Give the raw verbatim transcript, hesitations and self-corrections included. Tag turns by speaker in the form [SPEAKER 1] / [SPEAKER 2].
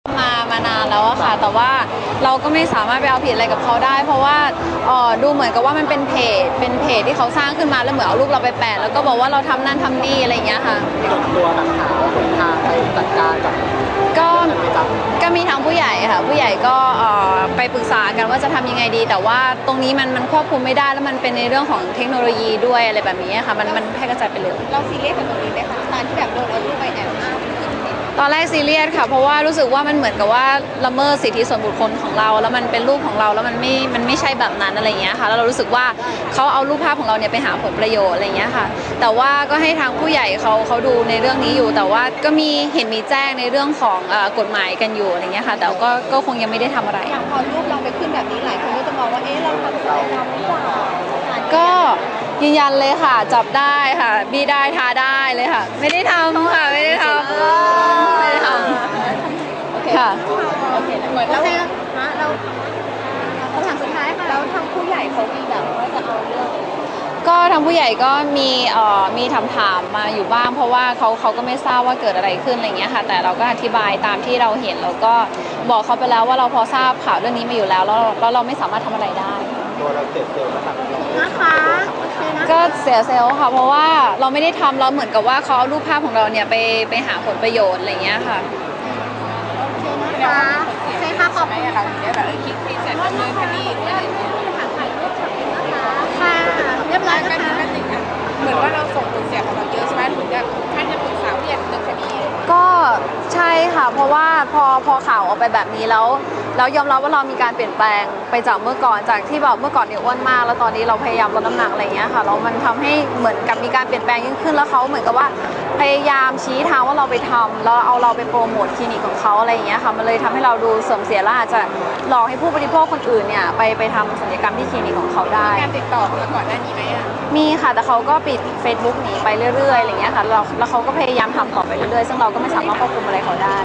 [SPEAKER 1] มามานานแล้วอะค่ะแต่ว่าเราก็ไม่สามารถไปเอาผิดอะไรกับเขาได้เพราะว่าเออดูเหมือนกับว่ามันเป็นเพจเป็นเพจที่เขาสร้างขึ้นมาแล้วเหมือนเอารูปเราไปแปะแล้วก็บอกว่าเราทำนั่นทำนี่อะไรอย่างเงี้ยค่ะ
[SPEAKER 2] ส่วนตัวแบบหาหนทางไปจัดการกับ
[SPEAKER 1] ก็ก็มีทางผู้ใหญ่ค่ะผู้ใหญ่ก็ไปปรึกษากันว่าจะทำยังไงดีแต่ว่าตรงนี้มันมันควบคุมไม่ได้แล้วมันเป็นในเรื่องของเทคโนโลยีด้วยอะไรแบบนี้ค่ะมันมันแพร่กระจายไปเลย
[SPEAKER 3] เราซีเรียสกับตรงนี้ไหมคะตอนที่แบบโดนเอารูปไปแอบอ้าง
[SPEAKER 1] ตอนแรกซีเรียสค่ะเพราะว่ารู้สึกว่ามันเหมือนกับว่าละเมิดสิทธิส่วนบุคคลของเราแล้วมันเป็นรูปของเราแล้วมันไม่มันไม่ใช่แบบนั้นอะไรเงี้ยค่ะแล้วเรารู้สึกว่าเขาเอารูปภาพของเราเนี่ยไปหาผลประโยชน์อะไรเงี้ยค่ะแต่ว่าก็ให้ทางผู้ใหญ่เขาเขาดูในเรื่องนี้อยู่แต่ว่าก็มีเห็นมีแจ้งในเรื่องของกฎหมายกันอยู่อะไรเงี้ยค่ะแต่ก็ก็คงยังไม่ได้ทำอะไร
[SPEAKER 3] อย่างพอรูปเราไปขึ้นแบบนี้หลายคนก็จะมองว่าเอ๊ะเราทำศัลยกรรมหรือเปล่า
[SPEAKER 1] ก็ยืนยันเลยค่ะจับได้ค่ะบี้ได้ทาได้เลยค่ะไม่ได้ทำค่ะไม่ได้ทำไม่ได้ทำค่ะ
[SPEAKER 3] โอเคเหมือนแล้วเราคำถามสุดท้ายค่ะแล้วทางผู้ใหญ่เขามีแบบว่าจะเอาเรื่อง
[SPEAKER 1] ก็ทางผู้ใหญ่ก็มีเอ่อมีถามถามมาอยู่บ้างเพราะว่าเขาเขาก็ไม่ทราบว่าเกิดอะไรขึ้นอะไรเงี้ยค่ะแต่เราก็อธิบายตามที่เราเห็นแล้วก็บอกเขาไปแล้วว่าเราพอทราบข่าวเรื่องนี้มาอยู่แล้วแล้วแล้วเราไม่สามารถทำอะไรได้
[SPEAKER 2] ตัวเราเสียเซลล์นะครับ
[SPEAKER 3] นะคะ
[SPEAKER 1] ก็เสียเซลล์ค่ะเพราะว่าเราไม่ได้ทำเราเหมือนกับว่าเขาเอารูปภาพของเราเนี่ยไปไปหาผลประโยชน์อะไรเงี้ยค่ะ
[SPEAKER 3] โอเคนะคะใช่ค่ะขอบคุณค่ะแบบเออคิดที่เสร็จดำเนินคดีหรืออะไรเนี่ยถ่ายรูปถ่ายรูปนะคะค่ะเรียบร้อยนะคะเหมือนว่าเราส่งผลเสียของเราเยอะใช่ไหมถึงจะท่านจะปรึกษาผู้ใหญ่ดำเนินคดี
[SPEAKER 1] ก็ใช่ค่ะเพราะว่าพอพอข่าวออกไปแบบนี้แล้วแล้วยอมรับว่าเรามีการเปลี่ยนแปลงไปจากเมื่อก่อนจากที่แบบเมื่อก่อนเนี่ยอ้วนมากแล้วตอนนี้เราพยายามลดน้ำหนักอะไรเงี้ยค่ะแล้วมันทำให้เหมือนกับมีการเปลี่ยนแปลงยิ่งขึ้นแล้วเขาเหมือนกับว่าพยายามชี้ทางว่าเราไปทำแล้วเอาเราไปโปรโมทคลินิกของเขาอะไรเงี้ยค่ะมันเลยทำให้เราดูเสื่อมเสียและอาจจะหลอกให้ผู้บริโภคคนอื่นเนี่ยไปไปทำศัลยกรรมที่คลินิกของเขาได้
[SPEAKER 3] การติดต่อมาก่อนหน้านี้ไหมอ่ะ
[SPEAKER 1] มีค่ะแต่เขาก็ปิด เฟซบุ๊ก หนีไปเรื่อยๆอะไรเงี้ยค่ะแล้วเขาก็พยายามทำต่อไปเรื่อยๆซึ่งเราก็ไม่สามารถควบคุมอะไรเขาได้